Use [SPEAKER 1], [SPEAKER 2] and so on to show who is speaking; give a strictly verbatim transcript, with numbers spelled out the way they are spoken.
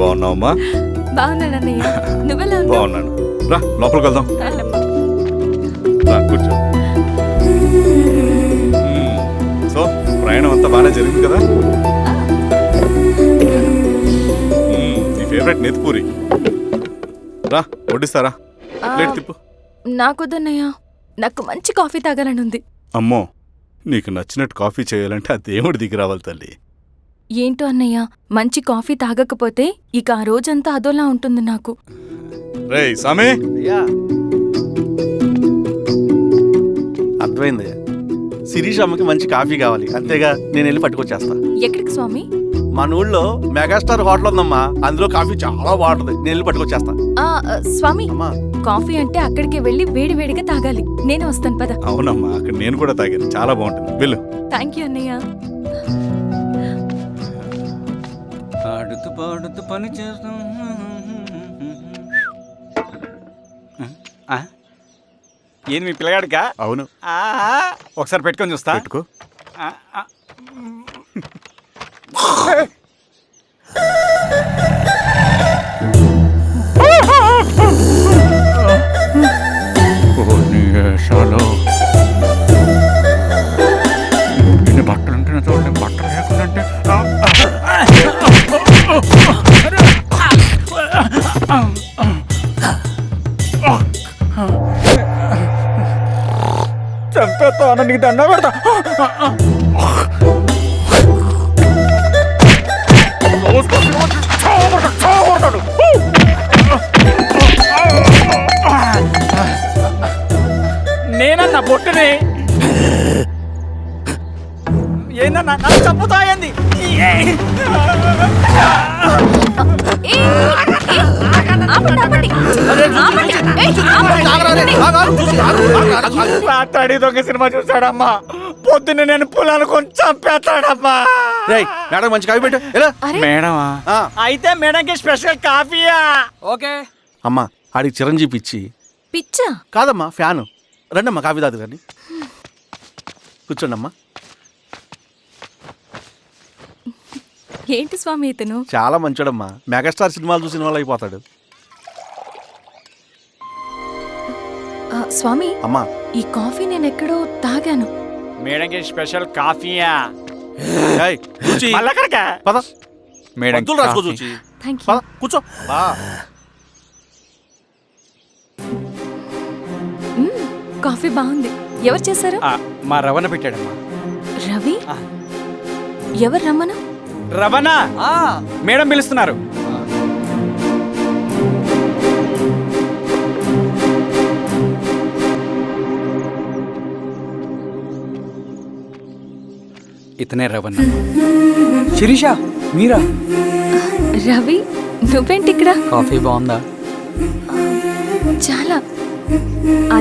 [SPEAKER 1] బాగున్నావమ్మా?
[SPEAKER 2] బాగున్నాను అన్నయ్య. నువ్వెలా ఉన్నావు?
[SPEAKER 1] బాగున్నాను. రా లోపలికి వెళ్దాం. రా కూర్చో. మ్మ్. సో ప్రయాణం అంతా బాగానే జరిగింది కదా? మ్మ్. నీ ఫేవరెట్ నెత్తిపూరి. రా వడ్డిస్తారా? ప్లేట్ తిప్పు.
[SPEAKER 2] నాకొద్దన్నయ్య, నాకు మంచి కాఫీ తాగాలని ఉంది.
[SPEAKER 1] అమ్మో, నీకు నచ్చినట్టు కాఫీ చేయాలంటే ఆ దేవుడి దిగి రావాలి తల్లి.
[SPEAKER 2] ఏంటో అన్నయ్య, మంచి కాఫీ తాగకపోతే ఇక ఆ రోజంతా అదోలా ఉంటుంది నాకు.
[SPEAKER 1] రేయ్ సామే,
[SPEAKER 3] అర్థమైంది. శిరీష్ అమ్మకి మంచి కాఫీ కావాలి, అంతేగా నేను వెళ్ళి పట్టుకొచ్చేస్తా.
[SPEAKER 2] ఎక్కడికి స్వామి?
[SPEAKER 3] మన ఊళ్ళో మెగాస్టార్ హోటల్ ఉందమ్మా, అందులో కాఫీ చాలా బాగుంటుంది, నేను వెళ్ళి పట్టుకొచ్చేస్తా.
[SPEAKER 2] ఆ స్వామి,
[SPEAKER 3] అమ్మా
[SPEAKER 2] కాఫీ అంటే అక్కడికి వెళ్ళి వేడి వేడిగా తాగాలి. నేను వస్తాను పద.
[SPEAKER 1] అవునమ్మా, అక్కడ నేను కూడా తాగాను, చాలా బాగుంటుంది. వెళ్ళు.
[SPEAKER 2] థ్యాంక్ యూ అన్నయ్య.
[SPEAKER 4] ఆడుతూ పాడుతూ పని చేస్తాం. ఏంది మీ పిల్లగాడికా?
[SPEAKER 1] అవును.
[SPEAKER 4] ఆ, ఒకసారి పెట్టుకొని చూస్తా.
[SPEAKER 1] పెట్టుకో.
[SPEAKER 4] ఆ, ఆ. ఇన్ని బట్టలు ఉంటే చూడండి, బట్టలు లేకుండా చంపేస్తాను, నీకు దండ పెడతా. నేనన్నా బొట్టుని ఏందన్నా నన్ను చంపుతాయంది. మాట్లాడి దొంగ సినిమా చూసాడమ్మా, పొద్దున్న నేను పొలాన్ని కొంచెం చంపేస్తాడమ్మా.
[SPEAKER 3] మేడం మంచి కాఫీ పెట్టు.
[SPEAKER 4] మేడమా? అయితే మేడంకి స్పెషల్ కాఫీయా? ఓకే
[SPEAKER 3] అమ్మా, ఆడికి చిరంజీవి పిచ్చి.
[SPEAKER 2] పిచ్చా?
[SPEAKER 3] కాదమ్మా, ఫ్యాను. రండమ్మా కాఫీ తాదు రండి, కూర్చోండి అమ్మా.
[SPEAKER 2] ఏంటి స్వామి ఇతను?
[SPEAKER 3] చాలా మంచోడమ్మా, మెగాస్టార్ సినిమాలు చూసిన వాళ్ళు అయిపోతాడు.
[SPEAKER 2] ఆ, స్వామి
[SPEAKER 3] అమ్మా
[SPEAKER 2] ఈ కాఫీ నేను ఎక్కడో తాగాను.
[SPEAKER 4] మేడంకి స్పెషల్ కాఫీయా?
[SPEAKER 3] ఏయ్, కూర్చో.
[SPEAKER 4] మళ్ళక్కడికా?
[SPEAKER 3] పద
[SPEAKER 4] మేడం
[SPEAKER 3] మందులు రాసుకో చూచి.
[SPEAKER 2] Thank you.
[SPEAKER 3] పద కూర్చో. బా
[SPEAKER 2] మ్మ్, కాఫీ బాగుంది. ఎవరు చేశారు?
[SPEAKER 4] మా రవణ పెట్టాడమ్మా.
[SPEAKER 2] రవి?
[SPEAKER 4] ఆ.
[SPEAKER 2] ఎవరు రమ్మను?
[SPEAKER 4] రవణ మేడం పిలుస్తున్నారు. ఇతనే రవణ.
[SPEAKER 5] శిరీష, మీరా?
[SPEAKER 2] రవి, నువ్వేంటి ఇక్కడ?
[SPEAKER 5] కాఫీ బాగుందా?
[SPEAKER 2] చాలా